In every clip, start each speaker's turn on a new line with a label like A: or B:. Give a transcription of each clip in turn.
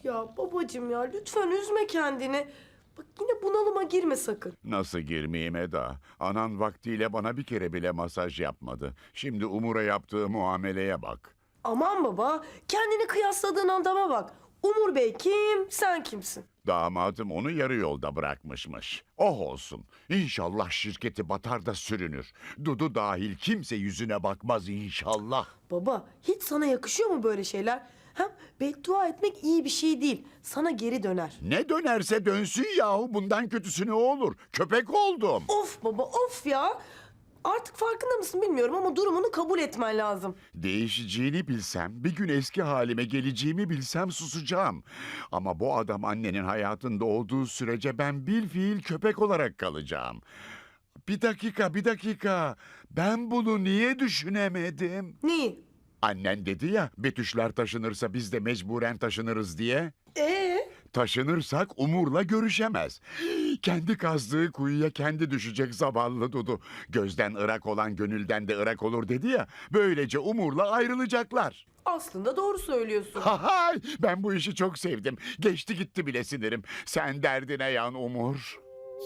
A: Ya babacığım ya lütfen üzme kendini. Bak yine bunalıma girme sakın.
B: Nasıl girmeyeyim Eda? Anan vaktiyle bana bir kere bile masaj yapmadı. Şimdi Umur'a yaptığı muameleye bak.
A: Aman baba kendini kıyasladığın adama bak. Umur Bey kim, sen kimsin?
B: Damadım onu yarı yolda bırakmışmış. Oh olsun. İnşallah şirketi batar da sürünür. Dudu dahil kimse yüzüne bakmaz inşallah.
A: Baba hiç sana yakışıyor mu böyle şeyler? Hem beddua etmek iyi bir şey değil. Sana geri döner.
B: Ne dönerse dönsün yahu. Bundan kötüsü ne olur? Köpek oldum.
A: Of baba of ya. Artık farkında mısın bilmiyorum ama durumunu kabul etmen lazım.
B: Değişeceğini bilsem, bir gün eski halime geleceğimi bilsem susacağım. Ama bu adam annenin hayatında olduğu sürece ben bilfiil köpek olarak kalacağım. Bir dakika. Ben bunu niye düşünemedim?
A: Neyi?
B: Annen dedi ya, Betüşler taşınırsa biz de mecburen taşınırız diye. Taşınırsak Umur'la görüşemez. Kendi kazdığı kuyuya kendi düşecek zavallı Dudu. Gözden ırak olan gönülden de ırak olur dedi ya. Böylece Umur'la ayrılacaklar.
A: Aslında doğru söylüyorsun.
B: Hay, ben bu işi çok sevdim. Geçti gitti bile sinirim. Sen derdine yan Umur.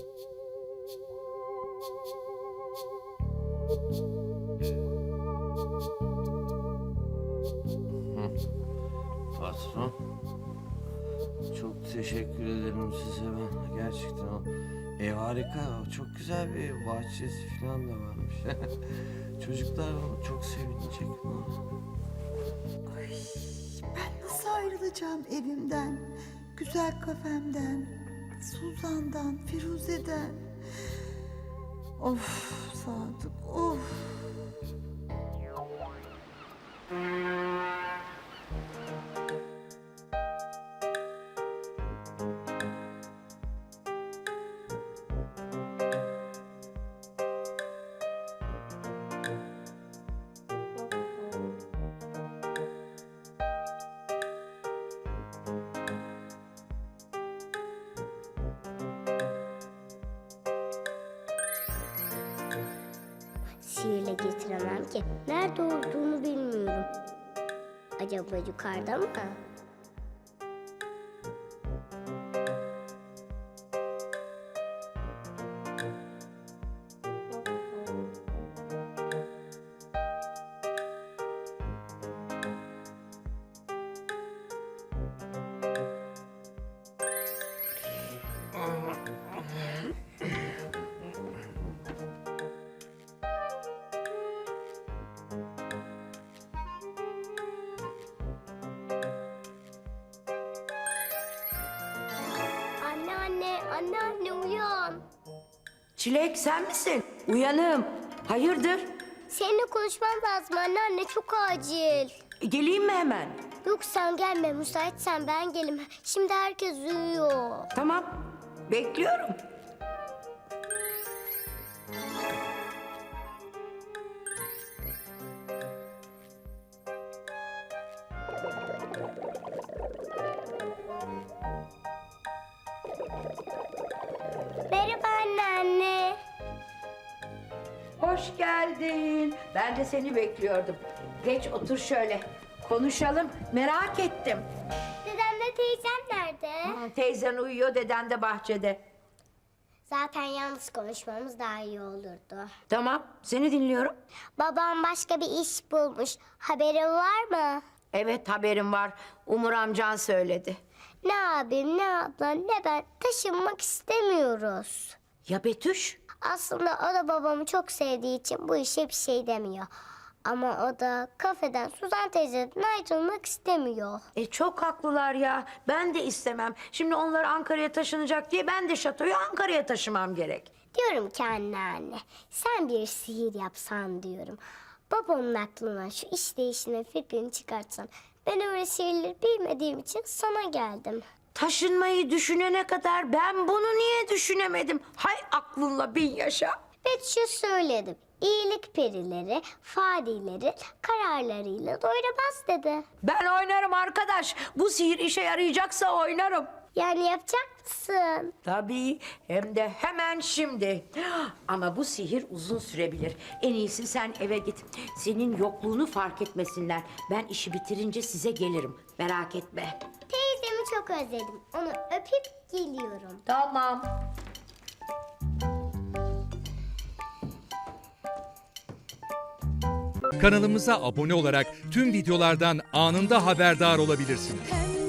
C: Patron, çok teşekkür ederim size ben. Gerçekten o ev harika, çok güzel bir ev, bahçesi falan da varmış. Çocuklar onu çok sevinecek.
D: Ben nasıl ayrılacağım evimden, güzel kafemden, Suzan'dan, Firuze'den? Of Sadık, of.
E: Sihirle getiremem ki. Nerede olduğunu bilmiyorum. Acaba yukarıda mı? Anne uyan.
F: Çilek sen misin? Uyanım. Hayırdır?
E: Seninle konuşmam lazım anne çok acil.
F: Geleyim mi hemen?
E: Yok sen gelme müsaitsen ben gelim. Şimdi herkes uyuyor.
F: Tamam. Bekliyorum.
E: Merhaba anne.
F: Hoş geldin. Ben de seni bekliyordum. Geç otur şöyle. Konuşalım. Merak ettim.
E: Dedemle teyzem nerede?
F: Teyzen uyuyor, deden de bahçede.
E: Zaten yalnız konuşmamız daha iyi olurdu.
F: Tamam, seni dinliyorum.
E: Babam başka bir iş bulmuş. Haberin var mı?
F: Evet, haberim var. Umur amcan söyledi.
E: Ne abim, ne ablam, ne ben taşınmak istemiyoruz.
F: Ya Betüş?
E: Aslında o da babamı çok sevdiği için bu işe bir şey demiyor. Ama o da kafeden Suzan teyzeden ayrılmak istemiyor.
F: Çok haklılar ya. Ben de istemem. Şimdi onlar Ankara'ya taşınacak diye ben de şatoyu Ankara'ya taşımam gerek.
E: Diyorum ki anne, sen bir sihir yapsan diyorum. Babamın aklına şu iş değiştirme fikrini çıkartsan. Ben öyle sihirleri bilmediğim için sana geldim.
F: Taşınmayı düşünene kadar ben bunu niye düşünemedim? Hay aklınla bin yaşa.
E: Betüş'e söyledim. İyilik perileri, fadileri kararlarıyla doyuramaz dedi.
F: Ben oynarım arkadaş. Bu sihir işe yarayacaksa oynarım.
E: Yani yapacak mısın?
F: Tabii, hem de hemen şimdi. Ama bu sihir uzun sürebilir. En iyisi sen eve git. Senin yokluğunu fark etmesinler. Ben işi bitirince size gelirim. Merak etme.
E: Teyzemi çok özledim. Onu öpüp geliyorum.
F: Tamam.
G: Kanalımıza abone olarak tüm videolardan anında haberdar olabilirsiniz.
H: Pembe